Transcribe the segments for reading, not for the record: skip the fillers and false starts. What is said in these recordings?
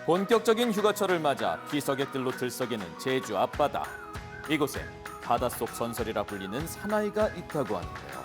본격적인 휴가철을 맞아 피서객들로 들썩이는 제주 앞바다. 이곳에 바닷속 전설이라 불리는 사나이가 있다고 하는데요.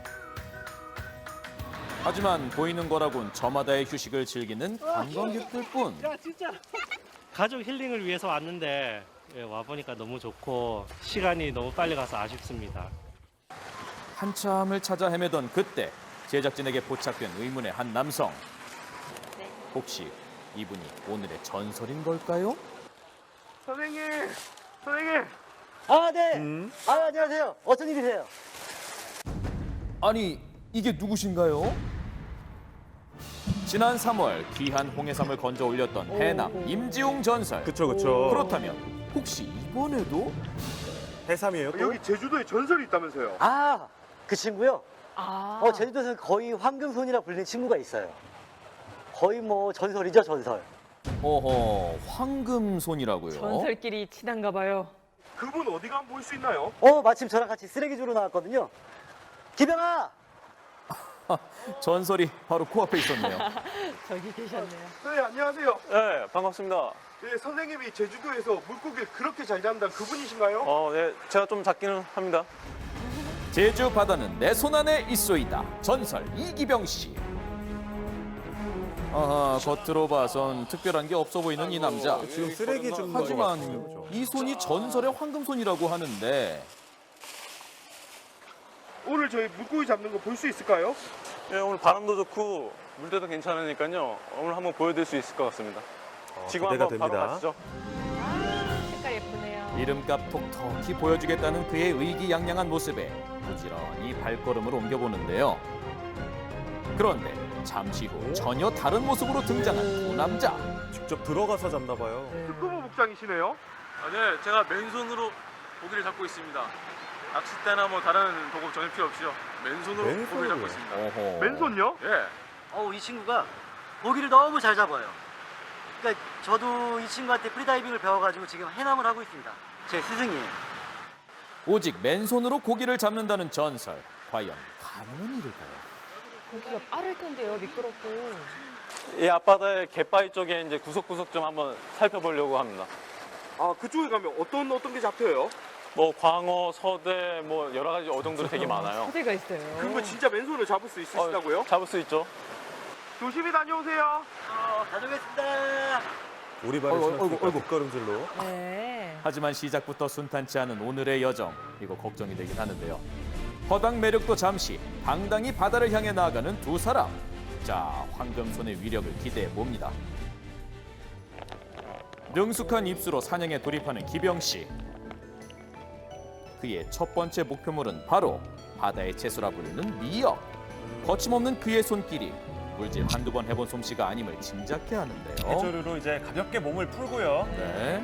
하지만 보이는 거라곤 저마다의 휴식을 즐기는 관광객들뿐. 야 진짜 가족 힐링을 위해서 왔는데 와보니까 너무 좋고 시간이 너무 빨리 가서 아쉽습니다. 한참을 찾아 헤매던 그때 제작진에게 포착된 의문의 한 남성. 혹시 이분이 오늘의 전설인 걸까요? 선생님! 아, 네. 안녕하세요. 어떤 일이세요? 아니, 이게 누구신가요? 지난 3월 귀한 홍해삼을 건져 올렸던 해남 임지웅 전설. 그쵸. 그렇다면 혹시 이번에도? 해삼이에요 또? 여기 제주도에 전설이 있다면서요? 아, 그 친구요? 아, 제주도에서는 거의 황금손이라 불리는 친구가 있어요. 거의 뭐 전설이죠, 전설. 어허, 황금손이라고요? 전설끼리 친한가 봐요. 그분 어디 가면 볼 수 있나요? 마침 저랑 같이 쓰레기 주러 나왔거든요. 기병아! 전설이 바로 코앞에 있었네요. 저기 계셨네요. 네, 안녕하세요. 네, 반갑습니다. 네, 선생님이 제주도에서 물고기를 그렇게 잘 잡는다는 그분이신가요? 네, 제가 좀 작기는 합니다. 제주 바다는 내 손 안에 있소이다. 전설 이기병 씨. 아하, 겉으로 봐선 특별한 게 없어 보이는 이 남자. 지금 쓰레기 줍는 거 하지만 같아요, 그죠? 이 손이 전설의 황금손이라고 하는데 오늘 저희 물고기 잡는 거 볼 수 있을까요? 네, 오늘 바람도 좋고 물때도 괜찮으니까요. 오늘 한번 보여드릴 수 있을 것 같습니다. 지금 기대가 한번 바로 됩니다. 가시죠. 색깔 예쁘네요. 이름값 톡톡히 보여주겠다는 그의 의기양양한 모습에 부지런히 발걸음을 옮겨보는데요. 그런데 잠시 후 전혀 다른 모습으로 등장한 두 남자. 직접 들어가서 잡나 봐요. 특구부 복장이시네요? 네, 제가 맨손으로 고기를 잡고 있습니다. 낚싯대나 뭐 다른 도구 전혀 필요 없이요. 맨손으로 맨손으로요? 고기를 잡고 있습니다. 어허. 맨손요? 예. 이 친구가 고기를 너무 잘 잡아요. 그러니까 저도 이 친구한테 프리다이빙을 배워가지고 지금 해남을 하고 있습니다. 제 스승이에요. 오직 맨손으로 고기를 잡는다는 전설. 과연 가능한 일일까요? 고기가 빠를 텐데요, 미끄럽고. 이 앞바다의 갯바위 쪽에 이제 구석구석 좀 한번 살펴보려고 합니다. 아, 그쪽에 가면 어떤 게 잡혀요? 뭐 광어, 서대, 뭐 여러 가지 어종들이 되게 많아요. 소대가 있어요. 그러면 진짜 맨손으로 잡을 수 있으시다고요? 잡을 수 있죠. 조심히 다녀오세요. 다녀오겠습니다. 오리발을 어이구, 신었으니까 어이구. 뒷걸음질로. 네. 하지만 시작부터 순탄치 않은 오늘의 여정. 이거 걱정이 되긴 하는데요. 허당 매력도 잠시 당당히 바다를 향해 나아가는 두 사람. 자, 황금손의 위력을 기대해 봅니다. 능숙한 입수로 사냥에 돌입하는 기병 씨. 그의 첫 번째 목표물은 바로 바다의 채소라 불리는 미역. 거침없는 그의 손길이 물질 한두 번 해본 솜씨가 아님을 짐작케 하는데요. 해조류로 이제 가볍게 몸을 풀고요. 네.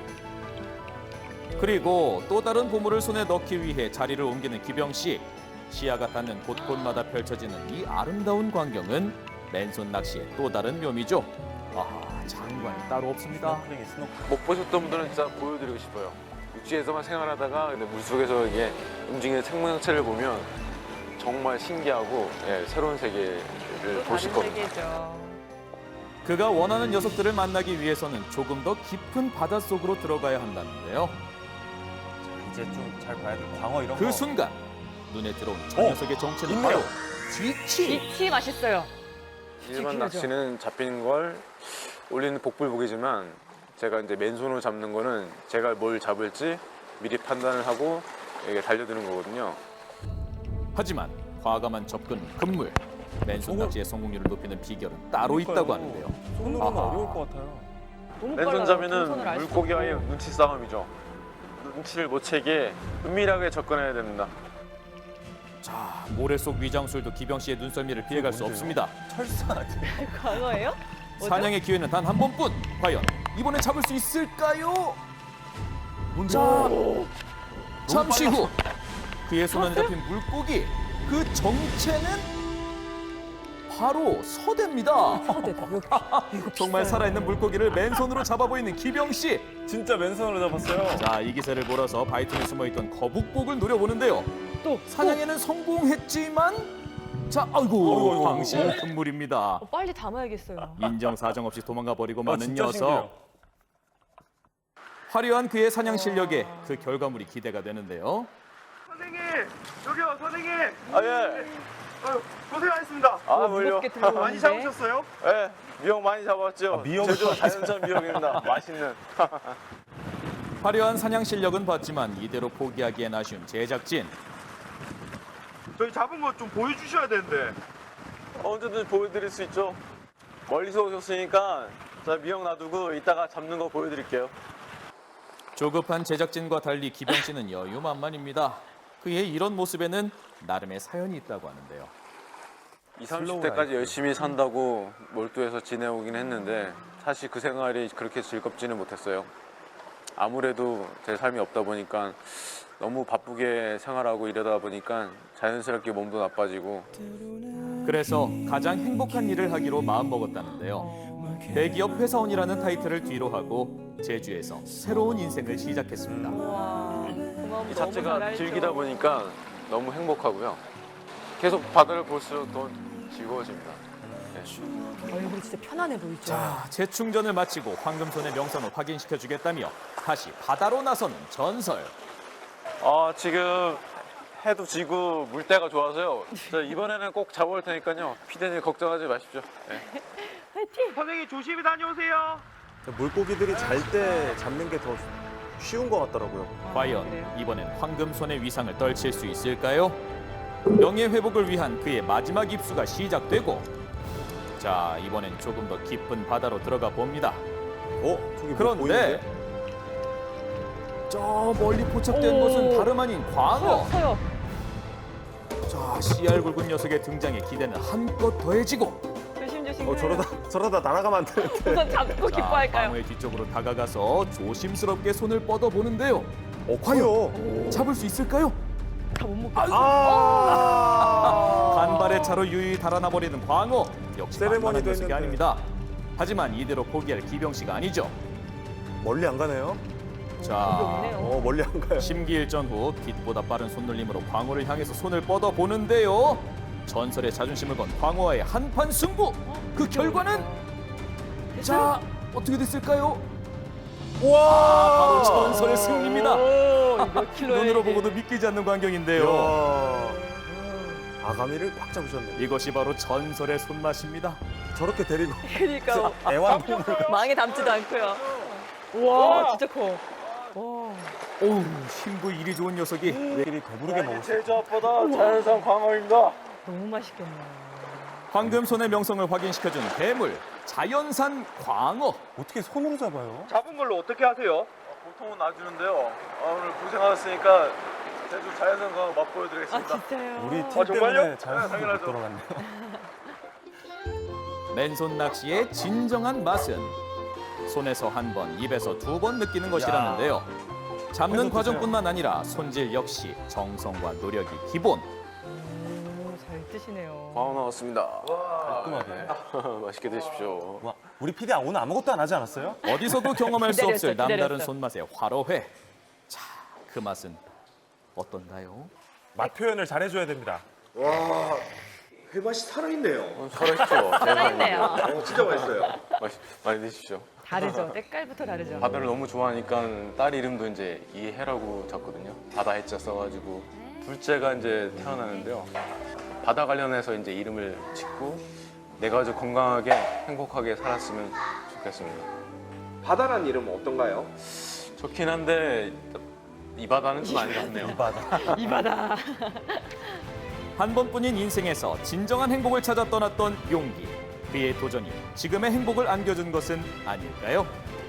그리고 또 다른 보물을 손에 넣기 위해 자리를 옮기는 기병 씨. 시야가 닿는 곳곳마다 펼쳐지는 이 아름다운 광경은 맨손 낚시의 또 다른 묘미죠. 아, 장관이 따로 없습니다. 못 보셨던 분들은 진짜 보여드리고 싶어요. 육지에서만 생활하다가 근데 물속에서 이게 움직이는 생명체를 보면 정말 신기하고 새로운 세계를 보실 다른 겁니다. 세계죠. 그가 원하는 녀석들을 만나기 위해서는 조금 더 깊은 바닷속으로 들어가야 한다는데요. 이제 좀 잘 봐야 돼. 광어 이런 그 거. 순간 눈에 들어온 저 녀석의 정체는 있네요. 바로 쥐치. 쥐치 맛있어요. 일반 지키죠. 낚시는 잡히는 걸 올리는 복불복이지만 제가 이제 맨손으로 잡는 거는 제가 뭘 잡을지 미리 판단을 하고 이게 달려드는 거거든요. 하지만 과감한 접근 금물. 맨손 낚시의 성공률을 높이는 비결은 따로 있다고 하는데요. 손으로는 아하. 어려울 것 같아요. 너무 맨손 빨라요. 잡이는 동선을 알 수도 물고기와의 없고. 눈치 싸움이죠. 눈치를 못 채게 은밀하게 접근해야 됩니다. 자, 모래 속 위장술도 기병 씨의 눈썰미를 피해갈 수 없습니다. 철사 같은. 광어예요? 뭐죠? 사냥의 기회는 단 한 번뿐. 과연 이번에 잡을 수 있을까요? 자, 잠시 후 그의 손 안에 잡힌 물고기. 그 정체는 바로 서대입니다. 소대다. 여기. 정말 살아있는 물고기를 맨손으로 잡아 보이는 기병 씨. 진짜 맨손으로 잡았어요. 자, 이 기세를 몰아서 바이튼에 숨어있던 거북복을 노려보는데요. 또 사냥에는 성공했지만 자, 아이고, 광신 금물입니다. 빨리 담아야겠어요. 인정사정 없이 도망가 버리고 마는 진짜 녀석. 신기해요. 화려한 그의 사냥 실력에 그 결과물이 기대가 되는데요. 선생님, 여기요, 선생님. 아, 예. 아유, 고생하셨습니다. 아, 뭘요? 무겁게 들고 많이 오는데. 잡으셨어요? 예. 미역 많이 잡았죠. 미역 제주 자연산 미역입니다. 맛있는. 화려한 사냥 실력은 봤지만 이대로 포기하기엔 아쉬운 제작진. 저희 잡은 거 좀 보여주셔야 되는데. 언제든 보여드릴 수 있죠. 멀리서 오셨으니까 자 미역 놔두고 이따가 잡는 거 보여드릴게요. 조급한 제작진과 달리 기병 씨는 여유만만입니다. 그의 이런 모습에는 나름의 사연이 있다고 하는데요. 20, 30대까지 열심히 산다고 몰두해서 지내오긴 했는데 사실 그 생활이 그렇게 즐겁지는 못했어요. 아무래도 제 삶이 없다 보니까 너무 바쁘게 생활하고 이러다 보니까 자연스럽게 몸도 나빠지고 그래서 가장 행복한 일을 하기로 마음먹었다는데요. 대기업 회사원이라는 타이틀을 뒤로 하고 제주에서 새로운 인생을 시작했습니다. 와, 그 마음 이 너무 자체가 잘 알죠. 즐기다 보니까 너무 행복하고요. 계속 바다를 볼수록 더 즐거워집니다. 얼굴이 진짜 편안해 보이죠. 자, 재충전을 마치고 황금손의 명성을 확인시켜주겠다며 다시 바다로 나서는 전설. 지금 해도 지고 물때가 좋아서요. 저 이번에는 꼭 잡아올 테니까요. 피디님 걱정하지 마십시오. 네. 화이팅! 선생님 조심히 다녀오세요. 물고기들이 잘 때 잡는 게 더 쉬운 것 같더라고요. 과연 그래요? 이번엔 황금손의 위상을 떨칠 수 있을까요? 명예회복을 위한 그의 마지막 입수가 시작되고 자, 이번엔 조금 더 깊은 바다로 들어가 봅니다. 저기 뭐 그런데 보이는데? 저 멀리 포착된 것은 다름 아닌 광어. 서요. 자, 씨알 굵은 녀석의 등장에 기대는 한껏 더해지고 조심조심. 저러다 날아가면 안 되는데. 우선 잡고 자, 기뻐할까요? 광어의 뒤쪽으로 다가가서 조심스럽게 손을 뻗어 보는데요. 과연? 잡을 수 있을까요? 다 못 먹겠어. 간발의 차로 유유히 달아나 버리는 광어. 역시 세레머니도 만만한 녀석이 했는데. 아닙니다. 하지만 이대로 포기할 기병 씨가 아니죠. 멀리 안 가네요. 자, 없네요. 멀리 안 가요. 심기일전 후 빛보다 빠른 손놀림으로 광어를 향해서 손을 뻗어 보는데요. 전설의 자존심을 건 광어와의 한판 승부. 그 결과는 자, 어떻게 됐을까요? 바로 전설의 승리입니다. 몇 킬로예요? 눈으로 이게? 보고도 믿기지 않는 광경인데요. 아가미를 꽉 잡으셨네. 이것이 바로 전설의 손맛입니다. 저렇게 데리고 그러니까 애완동물. 망에 담지도 않고요. 우와, 진짜 커. 와. 오우, 힘도 이리 좋은 녀석이 애들이 배부르게 먹을 수 있어요. 제주 앞바다 자연산 광어입니다. 너무 맛있겠네. 황금손의 명성을 확인시켜준 괴물 자연산 광어. 어떻게 손으로 잡아요? 잡은 걸로 어떻게 하세요? 보통은 놔주는데요. 오늘 고생하셨으니까 제주 자연산 광어 아, 맛보여드리겠습니다. 진짜요? 우리 팀 정말요? 때문에 자연스럽게 못 당연하죠. 돌아갔네. 맨손 낚시의 진정한 맛은 손에서 한 번, 입에서 두 번 느끼는 것이라는데요. 잡는 과정뿐만 아니라 손질 역시 정성과 노력이 기본. 잘 드시네요. 광어 나왔습니다. 깔끔하게. 맛있게 드십시오. 와, 우리 PD 오늘 아무것도 안 하지 않았어요? 어디서도 경험할 수 기다렸어, 없을 남다른 기다렸어. 손맛의 화로회. 자, 그 맛은 어떤가요? 맛 표현을 잘해줘야 됩니다. 와, 회맛이 살아있네요. 살아있죠. 살아있네요. 진짜 맛있어요. 많이 드십시오. 다르죠. 때깔부터 다르죠. 바다를 너무 좋아하니까 딸 이름도 이제 이해라고 졌거든요. 바다 해자 써가지고 둘째가 이제 태어나는데요. 바다 관련해서 이제 이름을 짓고 내 가족 건강하게 행복하게 살았으면 좋겠습니다. 바다란 이름은 어떤가요? 좋긴 한데 이 바다는 좀 아닌 것 같네요. 이 바다. 한 번뿐인 인생에서 진정한 행복을 찾아 떠났던 용기. 그의 도전이 지금의 행복을 안겨준 것은 아닐까요?